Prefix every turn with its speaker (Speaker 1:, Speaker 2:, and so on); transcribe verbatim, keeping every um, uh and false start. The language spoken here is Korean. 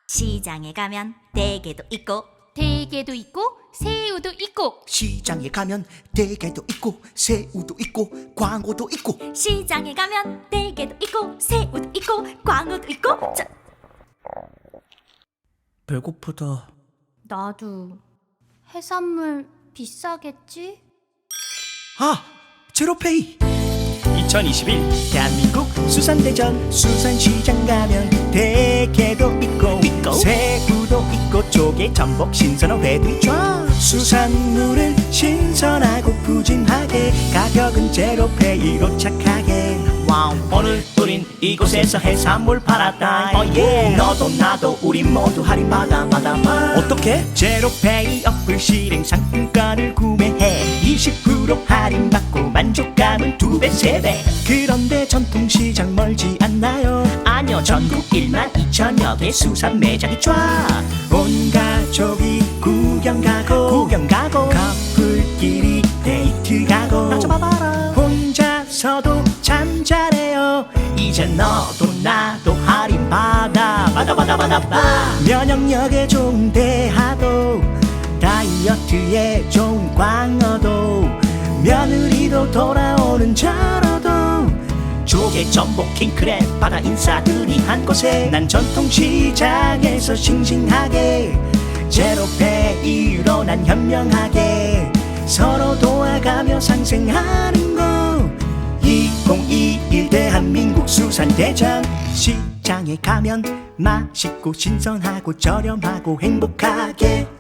Speaker 1: 시장에 가면 대게도 있고
Speaker 2: 대게도 있고 새우도 있고
Speaker 3: 시장에 가면 대게도 있고 새우도 있고 광어도 있고.
Speaker 1: 시장에 가면 대게도 있고 새우도 있고 광어도 있고. 자,
Speaker 3: 배고프다.
Speaker 2: 나도. 해산물 비싸겠지?
Speaker 3: 아! 제로페이!
Speaker 4: 이천이십일
Speaker 3: 대한민국 수산대전. 수산시장 가면 대게도 있고,
Speaker 4: 있고.
Speaker 3: 새우도 있고 조개 전복 신선한 회도 있죠. 수산물은 신선하고 푸짐하게 가격은 제로페이로 착하게.
Speaker 4: 와우. 오늘 우린 이곳에서 해산물 팔았다.
Speaker 3: Oh yeah.
Speaker 4: 너도 나도 우리 모두 할인 받아 받아 받아.
Speaker 3: 어떻게? 제로페이 어플 실행 상품권을 구매해 이십 퍼센트 할인받고 만족감은 두 배, 세 배. 그런데 전통시장 멀지 않나요?
Speaker 4: 아니요, 전국 일만 이천여 개 수산 매장이 쫙.
Speaker 3: 온 가족이 구경 가고 구경 가고 커플끼리 데이트 가고
Speaker 4: 나 좀 봐봐라.
Speaker 3: 혼자서도 참 잘해요.
Speaker 4: 이제 너도 나도 할인 받아 받아 받아 받아 받아.
Speaker 3: 면역력에 좋은 대하도 다이어트에 좋은 광어도 며느리도 돌아오는 절어도
Speaker 4: 조개 전복 킹크랩 바다 인사들이 한 곳에.
Speaker 3: 난 전통시장에서 싱싱하게 제로페이로 난 현명하게 서로 도와가며 상생하는 거. 이천이십일 대한민국 수산대전. 시장에 가면 맛있고 신선하고 저렴하고 행복하게